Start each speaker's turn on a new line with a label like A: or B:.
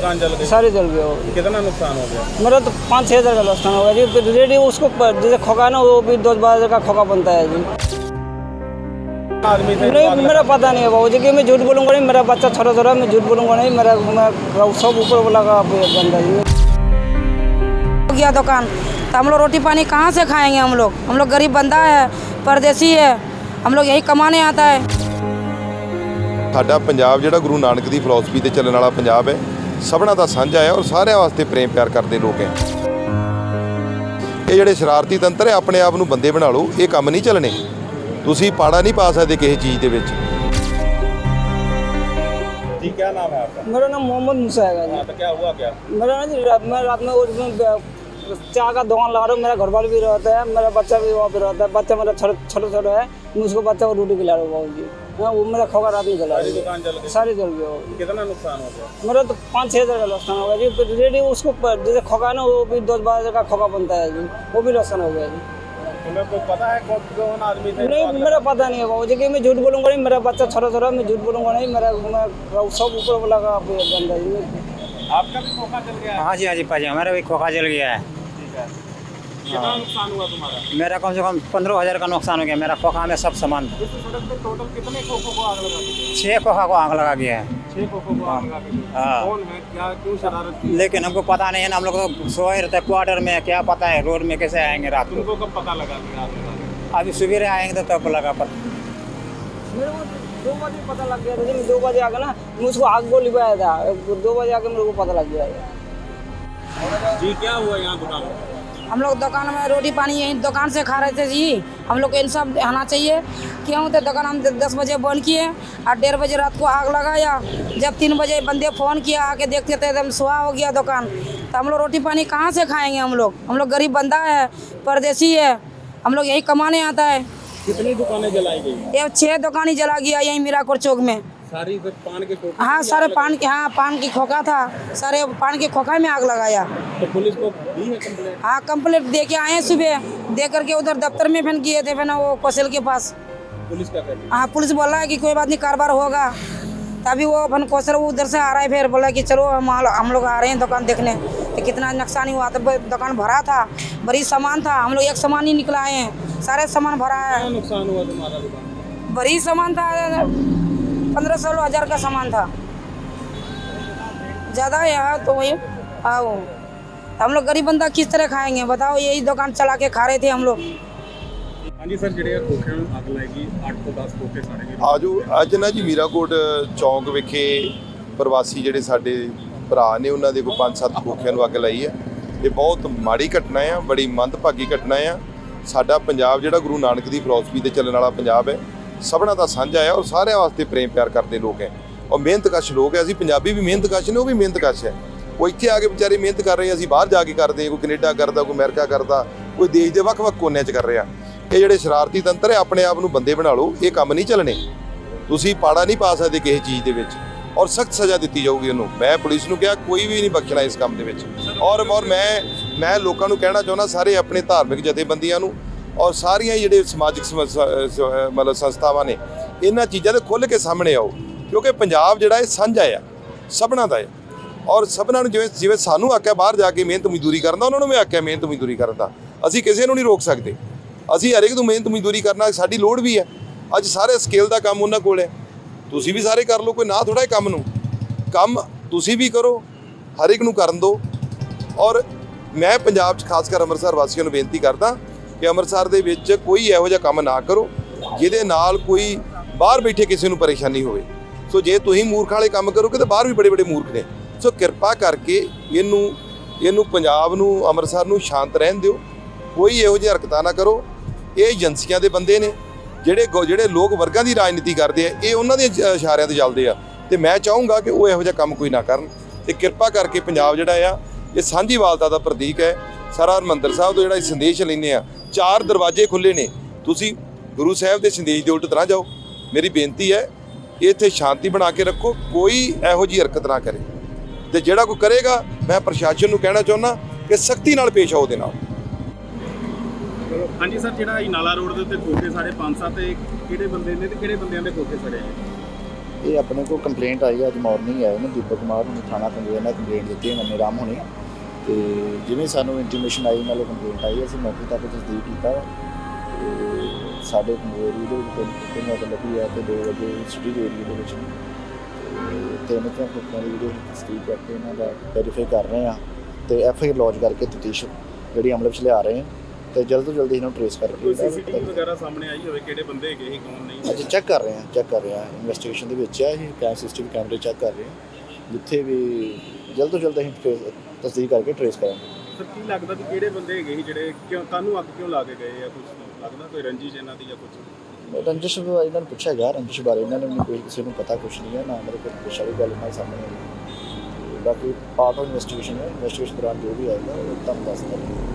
A: दुकान जल गई?
B: सारे जल गए। वो
A: कितना नुकसान हो गया?
B: मेरा तो 5-6 हज़ार का नुकसान हो गया जी। फिर रेडी उसको जैसे खोखा ना, वो भी 10-12 हज़ार का खोखा बनता है जी।
A: आदमी थे?
B: नहीं, मेरा पता नहीं है बाबू जी, कि मैं झूठ बोलूँगा नहीं। मेरा बच्चा छोटा मैं झूठ बोलूँगा नहीं। मेरा सब ऊपर वाला का बंदा जी।
C: हो गया दुकान तो हम लोग रोटी पानी कहाँ से खाएंगे? हम लोग गरीब बंदा है, परदेसी है, हम लोग यही कमाने आता है।
D: ਸਾਡਾ ਪੰਜਾਬ ਜਿਹੜਾ ਗੁਰੂ ਨਾਨਕ ਦੀ ਫਿਲਾਸਫੀ ਤੇ ਚੱਲਣ ਵਾਲਾ ਪੰਜਾਬ ਹੈ, ਸਭਨਾਂ ਦਾ ਸਾਂਝਾ ਹੈ ਔਰ ਸਾਰਿਆਂ ਵਾਸਤੇ ਪ੍ਰੇਮ ਪਿਆਰ ਕਰਦੇ ਲੋਕ ਹੈ। ਇਹ ਜਿਹੜੇ ਸ਼ਰਾਰਤੀ ਤੰਤਰ ਹੈ, ਆਪਣੇ ਆਪ ਨੂੰ ਬੰਦੇ ਬਣਾ ਲਓ, ਇਹ ਕੰਮ ਨਹੀਂ ਚੱਲਣੇ। ਤੁਸੀਂ ਪਾੜਾ ਨਹੀਂ ਪਾ ਸਕਦੇ ਕਿਸੇ ਚੀਜ਼ ਦੇ ਵਿੱਚ।
A: जी क्या नाम है आपका?
B: मेरा नाम मोहम्मद मूसा है जी।
A: हाँ, तो क्या हुआ क्या?
B: मेरा ना जी, मैं रात में उसमें चाय का दुकान लगा रहा हूँ। मेरा घर वाला भी रहता है, मेरा बच्चा भी वहाँ पे रहता है। बच्चा मेरा छोटा है, मैं उसको बच्चा को रोटी खिला रहा हूँ बाबू जी। हाँ, वो मेरा खोखा रात में जला।
A: सारी दुकान जल गई?
B: सारे जल गए।
A: कितना नुकसान हो गया?
B: मेरा तो 5-6 हज़ार का नुकसान हो गया जी। फिर रेडी उसको जैसे खोखा ना, वो भी 10-12 हज़ार का खोखा बनता है जी। वो भी नुकसान हो गया जी।
A: तुम्हें को पता है कौन आदमी थे?
B: नहीं, मेरा पता नहीं है बाबू जी, कि मैं झूठ बोलूँगा नहीं। मेरा बच्चा छोटा मैं झूठ बोलूँगा नहीं। मेरा सब ऊपर वाला का बंदा जी।
A: आपका भी खोखा जल गया है?
E: हाँ जी पाजी, हमारा भी खोखा जल गया है।
A: ठीक है। कितना नुकसान हुआ तुम्हारा?
E: मेरा कम से कम 15,000 का नुकसान हो गया। मेरा खोखा में सब सामान था।
A: इस सड़क पे टोटल कितने खोखों को आग लगा दी?
E: 6 खोखा को आग लगा गया है।
A: 6 खोखों को आग लगा दी।
E: हाँ।
A: कौन है, क्या, क्यों शरारत की?
E: लेकिन हमको पता नहीं है ना, हम लोग तो सोए रहते हैं क्वार्टर में, क्या पता है रोड में कैसे आएंगे रात को।
A: तुमको कब पता लगा कि आग लगा दी?
E: अभी सवेरे आएंगे तो तब लगा पता।
B: मेरे को 2 बजे पता लग गया था जी। मैं 2 बजे आकर ना, मैं उसको आग को लिपाया था। 2 बजे आकर मेरे को पता लग गया था।
A: जी क्या हुआ यहाँ दुकान में?
C: हम लोग दुकान में रोटी पानी यहीं दुकान से खा रहे थे जी। हम लोग को इंसाफ आना चाहिए। क्यों तो दुकान हम 10 बजे बंद किए और 1:30 बजे रात को आग लगाया। जब 3 बजे बंदे फ़ोन किया, आके देखते थे एकदम सुहा हो गया दुकान। तो हम लोग रोटी पानी कहाँ से खाएंगे? हम लोग गरीब बंदा है, परदेसी है, हम लोग यही कमाने आता है।
A: कितनी दुकानें जलाई गई?
C: ये 6 दुकान ही जला गया यहीं मीराकोट चौक में।
A: सारी पान के खोखे?
C: हाँ, सारे पान के, हाँ पान की खोखा था, सारे पान के खोखा में आग लगाया।
A: तो पुलिस को दी है कंप्लेंट?
C: हाँ, कंप्लेंट दे के आए हैं सुबह। दे करके उधर दफ्तर में फिर किए थे, फिर वो कौशल के पास।
A: पुलिस क्या कर रही है?
C: हाँ, पुलिस बोला है कि कोई बात नहीं, कारोबार होगा। तभी वो अपन कौशल वो उधर से आ रहा है, फिर बोला कि चलो हम लोग आ रहे हैं दुकान देखने। तो कितना नुकसान हुआ, तो दुकान भरा था, बड़ी सामान था, हम लोग एक सामान ही निकला आए हैं, सारे सामान भरा है।
A: क्या नुकसान हुआ तुम्हारा दुकान?
C: बड़ी सामान था, 1500 हज़ार का सामान था, ज़्यादा है तो वही। हाँ, वो हम लोग गरीब बंदा किस तरह खाएंगे बताओ? यही दुकान चला के खा रहे थे हम लोग।
A: हाँ जी सर, ਜਿਹੜੇ ਖੋਖਿਆਂ ਨੂੰ ਅੱਗ ਲੱਗੀ, 8 ਤੋਂ 10 ਖੋਖੇ ਸੜ ਗਏ।
D: ਆਜੋ ਅੱਜ ਨਾ ਜੀ ਮੀਰਾਕੋਟ ਚੌਂਕ ਵਿਖੇ ਪ੍ਰਵਾਸੀ ਜਿਹੜੇ ਸਾਡੇ ਭਰਾ ਨੇ, ਉਹਨਾਂ ਦੇ ਕੋਈ 5-7 ਖੋਖਿਆਂ ਨੂੰ ਅੱਗ ਲਾਈ ਹੈ। ਇਹ ਬਹੁਤ ਮਾੜੀ ਘਟਨਾ ਆ, ਬੜੀ ਮੰਦਭਾਗੀ ਘਟਨਾ ਆ। ਸਾਡਾ ਪੰਜਾਬ ਜਿਹੜਾ ਗੁਰੂ ਨਾਨਕ ਦੀ ਫਿਲਾਸਫੀ ਤੇ ਚੱਲਣ ਵਾਲਾ ਪੰਜਾਬ ਹੈ, ਸਭਨਾਂ ਦਾ ਸਾਂਝਾ ਹੈ ਔਰ ਸਾਰਿਆਂ ਵਾਸਤੇ ਪ੍ਰੇਮ ਪਿਆਰ ਕਰਦੇ ਲੋਕ ਹੈ ਔਰ ਮਿਹਨਤਕਸ਼ ਲੋਕ ਹੈ। ਅਸੀਂ ਪੰਜਾਬੀ ਵੀ ਮਿਹਨਤਕਸ਼ ਨੇ, ਉਹ ਵੀ ਮਿਹਨਤਕਸ਼ ਹੈ। ਉਹ ਇੱਥੇ ਆ ਕੇ ਵਿਚਾਰੇ ਮਿਹਨਤ ਕਰ ਰਹੇ, ਅਸੀਂ ਬਾਹਰ ਜਾ ਕੇ ਕਰਦੇ, ਕੋਈ ਕੈਨੇਡਾ ਕਰਦਾ, ਕੋਈ ਅਮਰੀਕਾ ਕਰਦਾ, ਕੋਈ ਦੇਸ਼ ਦੇ ਵੱਖ-ਵੱਖ ਕੋਨਿਆਂ 'ਚ ਕਰ ਰਿਹਾ। ਇਹ ਜਿਹੜੇ ਸ਼ਰਾਰਤੀ ਤੰਤਰ ਹੈ, ਆਪਣੇ ਆਪ ਨੂੰ ਬੰਦੇ ਬਣਾ ਲਓ, ਇਹ ਕੰਮ ਨਹੀਂ ਚੱਲਣੇ। ਤੁਸੀਂ ਪਾੜਾ ਨਹੀਂ ਪਾ ਸਕਦੇ ਕਿਸੇ ਚੀਜ਼ ਦੇ ਵਿੱਚ ਔਰ ਸਖਤ ਸਜ਼ਾ ਦਿੱਤੀ ਜਾਊਗੀ ਉਹਨੂੰ। ਮੈਂ ਪੁਲਿਸ ਨੂੰ ਕਿਹਾ ਕੋਈ ਵੀ ਨਹੀਂ ਬਖਸ਼ਣਾ ਇਸ ਕੰਮ ਦੇ ਵਿੱਚ। ਔਰ ਮੈਂ ਲੋਕਾਂ ਨੂੰ ਕਹਿਣਾ ਚਾਹੁੰਦਾ, ਸਾਰੇ ਆਪਣੇ ਧਾਰਮਿਕ ਜਥੇਬੰਦੀਆਂ ਨੂੰ ਔਰ ਸਾਰੀਆਂ ਜਿਹੜੇ ਸਮਾਜਿਕ ਮਤਲਬ ਸੰਸਥਾਵਾਂ ਨੇ, ਇਹਨਾਂ ਚੀਜ਼ਾਂ ਦੇ ਖੁੱਲ੍ਹ ਕੇ ਸਾਹਮਣੇ ਆਓ, ਕਿਉਂਕਿ ਪੰਜਾਬ ਜਿਹੜਾ ਇਹ ਸਾਂਝਾ ਆ, ਸਭਨਾਂ ਦਾ ਹੈ ਔਰ ਸਭਨਾਂ ਨੂੰ ਜਿਵੇਂ ਸਾਨੂੰ ਆਖਿਆ ਬਾਹਰ ਜਾ ਕੇ ਮਿਹਨਤ ਮਜ਼ਦੂਰੀ ਕਰਨ ਦਾ, ਉਹਨਾਂ ਨੂੰ ਵੀ ਆਖਿਆ ਮਿਹਨਤ ਮਜ਼ਦੂਰੀ ਕਰਨ ਦਾ। ਅਸੀਂ ਕਿਸੇ ਨੂੰ ਨਹੀਂ ਰੋਕ ਸਕਦੇ, ਅਸੀਂ ਹਰੇਕ ਨੂੰ ਮਿਹਨਤ ਮਜ਼ਦੂਰੀ ਕਰਨਾ ਸਾਡੀ ਲੋੜ ਵੀ ਹੈ। ਅੱਜ ਸਾਰੇ ਸਕੇਲ ਦਾ ਕੰਮ ਉਹਨਾਂ ਕੋਲ ਹੈ, ਤੁਸੀਂ ਵੀ ਸਾਰੇ ਕਰ ਲਓ, ਕੋਈ ਨਾ ਥੋੜ੍ਹਾ ਕੰਮ ਨੂੰ। ਕੰਮ ਤੁਸੀਂ ਵੀ ਕਰੋ, ਹਰ ਇੱਕ ਨੂੰ ਕਰਨ ਦਿਓ। ਔਰ ਮੈਂ ਪੰਜਾਬ 'ਚ ਖਾਸ ਕਰ ਅੰਮ੍ਰਿਤਸਰ ਵਾਸੀਆਂ ਨੂੰ ਬੇਨਤੀ ਕਰਦਾ ਕਿ ਅੰਮ੍ਰਿਤਸਰ ਦੇ ਵਿੱਚ ਕੋਈ ਇਹੋ ਜਿਹਾ ਕੰਮ ਨਾ ਕਰੋ ਜਿਹਦੇ ਨਾਲ ਕੋਈ ਬਾਹਰ ਬੈਠੇ ਕਿਸੇ ਨੂੰ ਪਰੇਸ਼ਾਨੀ ਹੋਵੇ। ਸੋ ਜੇ ਤੁਸੀਂ ਮੂਰਖ ਵਾਲੇ ਕੰਮ ਕਰੋਗੇ ਤਾਂ ਬਾਹਰ ਵੀ ਬੜੇ ਮੂਰਖ ਨੇ। ਸੋ ਕਿਰਪਾ ਕਰਕੇ ਇਹਨੂੰ ਪੰਜਾਬ ਨੂੰ, ਅੰਮ੍ਰਿਤਸਰ ਨੂੰ ਸ਼ਾਂਤ ਰਹਿਣ ਦਿਓ, ਕੋਈ ਇਹੋ ਜਿਹੀ ਹਰਕਤਾਂ ਨਾ ਕਰੋ। ਇਹ ਏਜੰਸੀਆਂ ਦੇ ਬੰਦੇ ਨੇ ਜਿਹੜੇ ਲੋਕ ਵਰਗਾਂ ਦੀ ਰਾਜਨੀਤੀ ਕਰਦੇ ਆ, ਇਹ ਉਹਨਾਂ ਦੇ ਇਸ਼ਾਰਿਆਂ ਤੇ ਚੱਲਦੇ ਆ। ਤੇ ਮੈਂ ਚਾਹੂੰਗਾ ਕਿ ਉਹ ਇਹੋ ਜਿਹਾ ਕੰਮ ਕੋਈ ਨਾ ਕਰਨ। ਤੇ ਕਿਰਪਾ ਕਰਕੇ ਪੰਜਾਬ ਜਿਹੜਾ ਆ, ਇਹ ਸਾਂਝੀਵਾਲਤਾ ਦਾ ਪ੍ਰਤੀਕ ਹੈ। ਸਾਰਾ ਹਰਿਮੰਦਰ ਸਾਹਿਬ ਤੋਂ ਜਿਹੜਾ ਸੰਦੇਸ਼ ਲੈਂਦੇ ਆ, 4 ਦਰਵਾਜ਼ੇ ਖੁੱਲ੍ਹੇ ਨੇ, ਤੁਸੀਂ ਗੁਰੂ ਸਾਹਿਬ ਦੇ ਸੰਦੇਸ਼ ਦੇ ਉਲਟ ਨਾ ਜਾਓ। ਮੇਰੀ ਬੇਨਤੀ ਹੈ, ਇੱਥੇ ਸ਼ਾਂਤੀ ਬਣਾ ਕੇ ਰੱਖੋ, ਕੋਈ ਇਹੋ ਜਿਹੀ ਹਰਕਤ ਨਾ ਕਰੇ। ਤੇ ਜਿਹੜਾ ਕੋਈ ਕਰੇਗਾ, ਮੈਂ ਪ੍ਰਸ਼ਾਸਨ ਨੂੰ ਕਹਿਣਾ ਚਾਹੁੰਦਾ ਕਿ ਸਖਤੀ ਨਾਲ ਪੇਸ਼ ਆਓ ਉਹਦੇ ਨਾਲ।
A: ਹਾਂਜੀ ਸਰ, ਜਿਹੜਾ ਨਾਲਾ ਰੋਡ ਦੇ ਉੱਤੇ ਖੋਖੇ ਸਾਡੇ 5-7 ਕਿਹੜੇ ਬੰਦੇ ਨੇ ਤੇ ਕਿਹੜੇ ਬੰਦਿਆਂ ਦੇ ਖੋਖੇ ਸੜੇ?
F: ਇਹ ਆਪਣੇ ਕੋਲ ਕੰਪਲੇਂਟ ਆਈ ਹੈ, ਅੱਜ ਮਾਰਨਿੰਗ ਆਏ ਨੇ ਦੀਪਕ ਕੁਮਾਰ ਨੂੰ ਥਾਣਾ ਕੰਗੋਇਆ ਨਾਲ ਕੰਪਲੇਂਟ ਦਿੱਤੀ ਹੈ ਨੰਨੇ ਰਾਮ ਹੋਣੀ। ਤੇ ਜਿਵੇਂ ਸਾਨੂੰ ਇੰਟੀਮੇਸ਼ਨ ਆਈ ਨਾਲੋਂ ਕੰਪਲੇਂਟ ਆਈ ਅਸੀਂ ਮੌਕੇ ਤੱਕ ਤਸਦੀਕ ਕੀਤਾ ਤੇ ਸਾਡੇ ਕੰਗੋਇਰੀ ਦੇ ਵਿੱਚ ਤਿੰਨ ਅੱਗ ਲੱਗੀ ਹੈ ਤੇ 2 ਵਜੇ ਸਿਟੀ ਦੇ ਏਰੀਏ ਦੇ ਵਿੱਚ ਤੇ ਤਿੰਨ ਤੋਂ ਖੋਖਿਆਂ ਦੀ ਵੀਡੀਓ ਤਸਦੀਕ ਕਰਕੇ ਇਹਨਾਂ ਦਾ ਵੈਰੀਫਾਈ ਕਰ ਰਹੇ ਹਾਂ ਤੇ FIR ਲੌਂਚ ਕਰਕੇ ਤਫਤੀਸ਼ ਜਿਹੜੀ ਅਮਲ ਵਿੱਚ ਲਿਆ ਰਹੇ ਹਾਂ ਤੇ ਜਲਦ ਤੋਂ ਜਲਦੀ ਇਹਨੂੰ ਟ੍ਰੇਸ ਕਰ
A: ਕੋਈ ਸੀਸੀਟੀਵੀ ਵਗੈਰਾ ਸਾਹਮਣੇ ਆਈ ਹੋਵੇ ਕਿਹੜੇ ਬੰਦੇ ਹੈਗੇ ਸੀ ਕੌਣ ਨਹੀਂ?
F: ਅੱਜ ਚੈੱਕ ਕਰ ਰਹੇ ਹਾਂ ਇਨਵੈਸਟੀਗੇਸ਼ਨ ਦੇ ਵਿੱਚ ਹੈ ਇਹ ਸੀਸੀਟੀਵੀ ਕੈਮਰੇ ਚੈੱਕ ਕਰ ਰਹੇ ਹਾਂ ਜਿੱਥੇ ਵੀ ਜਲਦ ਤੋਂ ਜਲਦ ਅਸੀਂ ਤਸਦੀਕ ਕਰਕੇ ਟ੍ਰੇਸ ਕਰਾਂਗੇ।
A: ਸਰ ਕੀ ਲੱਗਦਾ ਵੀ ਕਿਹੜੇ ਬੰਦੇ ਹੈਗੇ ਸੀ ਜਿਹੜੇ ਕਿਉਂ ਤੁਹਾਨੂੰ ਅੱਗ ਕਿਉਂ ਲਾ ਕੇ ਗਏ ਆ? ਕੁਝ ਲੱਗਦਾ ਕੋਈ ਰੰਜਿਸ਼ ਇਹਨਾਂ ਦੀ ਜਾਂ ਕੁਝ?
F: ਰੰਜਿਸ਼ ਇਹਨਾਂ ਨੂੰ ਪੁੱਛਿਆ ਗਿਆ, ਰੰਜਿਸ਼ ਬਾਰੇ ਇਹਨਾਂ ਨੂੰ ਕੋਈ ਕਿਸੇ ਨੂੰ ਪਤਾ ਕੁਛ ਨਹੀਂ ਹੈ ਨਾ ਮੇਰੇ ਕੋਲ ਪੁੱਛ ਵਾਲੀ ਗੱਲ ਨਾਲ ਸਾਹਮਣੇ ਆਈ। ਬਾਕੀ ਪਾਰਟ ਆਫ ਇਨਵੈਸਟੀਗੇਸ਼ਨ ਹੈ, ਇਨਵੈਸਟੀਗੇਸ਼ਨ ਦੌਰਾਨ ਜੋ ਵੀ ਆਏਗਾ ਉਹ ਤੁਹਾਨੂੰ ਦੱਸ ਦਾਂਗੇ।